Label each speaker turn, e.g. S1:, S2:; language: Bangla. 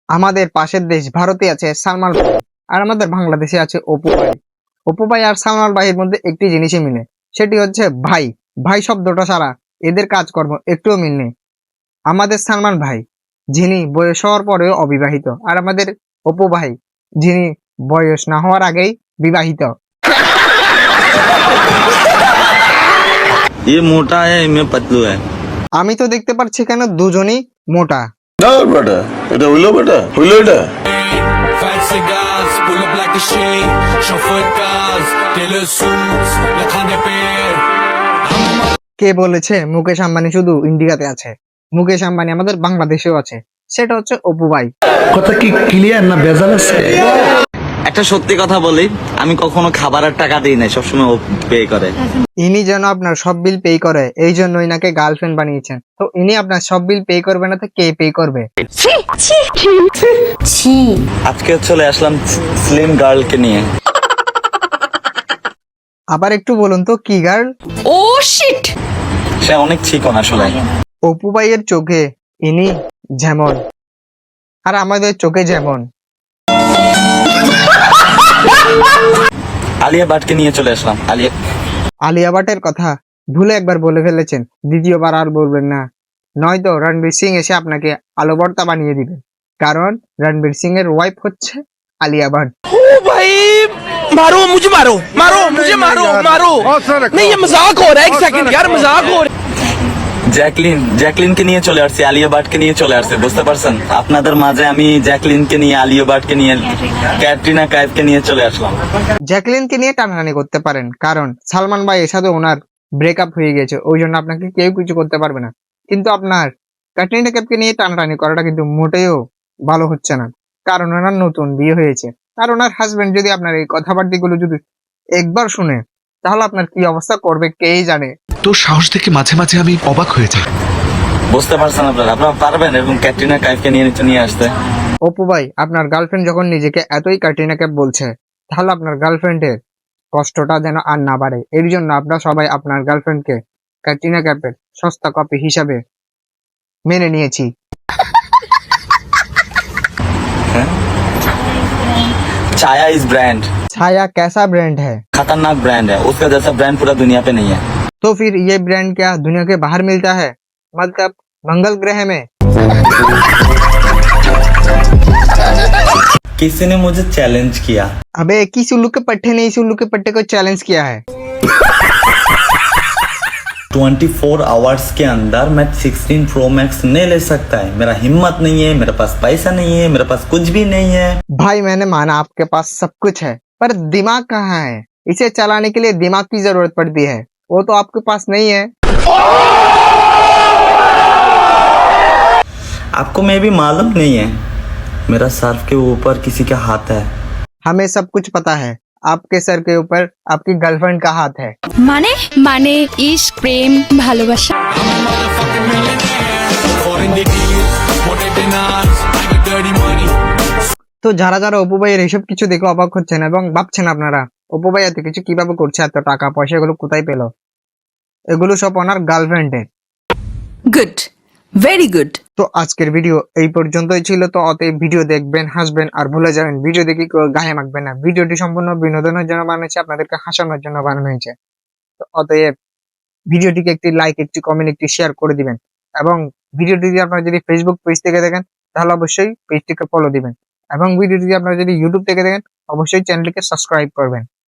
S1: আমাদের পাশের দেশ ভারতে আছে সালমান ভাই, আর আমাদের বাংলাদেশে আছে অপু ভাই। অপু ভাই আর সালমান ভাইয়ের মধ্যে একটি জিনিসই মিলে, সেটি হচ্ছে ভাই। ভাই শব্দটা ছাড়া এদের কাজকর্ম একটুও মিল নেই। আমাদের সালমান ভাই, যিনি বয়স হওয়ার পরেও অবিবাহিত, আর আমাদের অপু ভাই, যিনি বয়স না হওয়ার আগেই বিবাহিত।
S2: ये मोटा है मैं पतलू है।
S1: আমি তো দেখতে পাচ্ছি কেন দুজনই মোটা।
S3: না বেটা, এটা হইলো এটা।
S4: Fat cigars, pull up like a shade. Chauffeur cars, tailor suits, lakhane pe.
S1: কে বলেছে মুকেশ আম্বানি শুধু ইন্ডিয়াতে আছে? মুকেশ আম্বানি আমাদের বাংলাদেশেও আছে, সেটা হচ্ছে অপু ভাই।
S5: কথা কি ক্লিয়ার না ভেজাল আছে?
S2: একটা সত্যি কথা বলি, আমি কখনো খাবারের টাকা দিই না, সবসময় ও পে করে।
S1: ইনি যেন আপনার সব বিল পে করে, এই জন্য ইনাকে গার্লফ্রেন্ড বানিয়েছেন। তো ইনি আপনার সব বিল পে করবে না তো কে পে করবে?
S2: আজকে চলে আসলাম স্লিম গার্লকে নিয়ে।
S1: আবার একটু বলুন তো কি গার্ল?
S6: ও শিট,
S2: সে অনেক চিকন আসলে।
S1: অপু ভাইয়ের চোখে ইনি যেমন, আর আমাদের চোখে যেমন।
S2: আলিয়া ভাটকে নিয়ে চলে আসলাম।
S1: আলিয়া ভাটের কথা ভুলে একবার বলে ফেলেছেন, দ্বিতীয়বার আর বলবেন না, নয়তো রণবীর সিং এসে আপনাকে আলু ভর্তা বানিয়ে দিবে। কারণ রণবীর সিং এর ওয়াইফ হচ্ছে আলিয়া ভাট।
S7: मारो मुझे मारो मारो मुझे मारो मारो नहीं ये मजाक हो रहा है एक सेकंड यार मजाक हो रहा है
S2: জ্যাকলিনকে নিয়ে চলে আসছি, আলিয়া ভাটকে নিয়ে চলে আসছে, বুঝতে পারছেন? আপনাদের মাঝে আমি জ্যাকলিনকে নিয়ে, আলিয়া ভাটকে নিয়ে, ক্যাটরিনা কাইফকে নিয়ে চলে আসলাম।
S1: জ্যাকলিনকে নিয়ে টানাটানি করতে পারেন, কারণ সালমান ভাই এর সাথে ওনার ব্রেকআপ হয়ে গেছে, ওই জন্য আপনাকে কেউ কিছু করতে পারবে না। কিন্তু আপনার ক্যাটরিনা কাইফকে নিয়ে টানাটানি করাটা কিন্তু মোটেও ভালো হচ্ছে না, কারণ ওনার নতুন বিয়ে হয়েছে। আর ওনার হাজবেন্ড যদি আপনার এই কথাবার্তাগুলো যদি একবার শুনে, তাহলে আপনার কি অবস্থা করবে কেই জানে।
S5: তোর সাহস দেখে মাঝে মাঝে আমি অবাক হয়ে যাই।
S2: বুঝতে পারছেন আপনারা পারবেন এরকম ক্যাটরিনা কাইফকে নিয়ে আসতে?
S1: অপু ভাই, আপনার গার্লফ্রেন্ড যখন নিজেকে এতই ক্যাটরিনা কাইফ বলছে, তাহলে আপনার গার্লফ্রেন্ডের কষ্টটা যেন আর না বাড়ে, এর জন্য আপনারা সবাই আপনার গার্লফ্রেন্ডকে ক্যাটরিনা কাইফের সস্তা কপি হিসাবে মেনে নিয়েছি।
S2: ছায়া इज ब्रांड,
S1: ছায়া कैसा ब्रांड है?
S2: खतरनाक ब्रांड है, उसका जैसा ब्रांड पूरा दुनिया पे नहीं है।
S1: तो फिर ये ब्रांड क्या दुनिया के बाहर मिलता है, मतलब मंगल ग्रह में?
S2: किसी ने मुझे चैलेंज किया।
S1: अबे किस उल्लू के पट्टे ने इस उल्लू के पट्टे को चैलेंज किया है?
S2: 24 आवर्स के अंदर मैं 16 प्रो मैक्स नहीं ले सकता है, मेरा हिम्मत नहीं है, मेरे पास पैसा नहीं है, मेरे पास कुछ भी नहीं है।
S1: भाई मैंने माना आपके पास सब कुछ है, पर दिमाग कहाँ है? इसे चलाने के लिए दिमाग की जरूरत पड़ती है, वो तो आपके पास नहीं है।
S2: आपको मैं भी मालूम नहीं है, मेरा सर्फ के ऊपर किसी का हाथ है।
S1: हमें सब कुछ पता है, आपके सर के ऊपर आपकी गर्लफ्रेंड का हाथ है।
S6: মানে মানে ইশক, প্রেম, ভালোবাসা।
S4: Foreign the deals, motor dinners, I get dirty money.
S1: তো যারা যারা অপু ভাইয়ের এইসব কিছু দেখে অবাক হচ্ছেন এবং ভাবছেন আপনারা অপু ভাই এত কিছু কিভাবে করছে, এত টাকা পয়সা এগুলো কোথায় পেলো, এগুলো সব ওনার গার্লফ্রেন্ডের।
S6: Good, very good.
S1: তো আজকের ভিডিও এই পর্যন্তই ছিল। তো অতএব ভিডিও দেখবেন, হাসবেন আর ভুলে যাবেন, ভিডিও দেখে কেউ গায়ে মাখবেন না। ভিডিওটি সম্পূর্ণ বিনোদনের জন্য বানানো হয়েছে, আপনাদেরকে হাসানোর জন্য বানানো হয়েছে। তো অতএব ভিডিওটিকে একটি লাইক, একটি কমেন্ট, একটি শেয়ার করে দিবেন। এবং ভিডিওটি যদি আপনারা যদি ফেসবুক পেজ থেকে দেখেন, তাহলে অবশ্যই পেজটিকে ফলো দিবেন। এবং ভিডিওটি যদি আপনারা যদি ইউটিউব থেকে দেখেন, অবশ্যই চ্যানেলটিকে সাবস্ক্রাইব করবেন।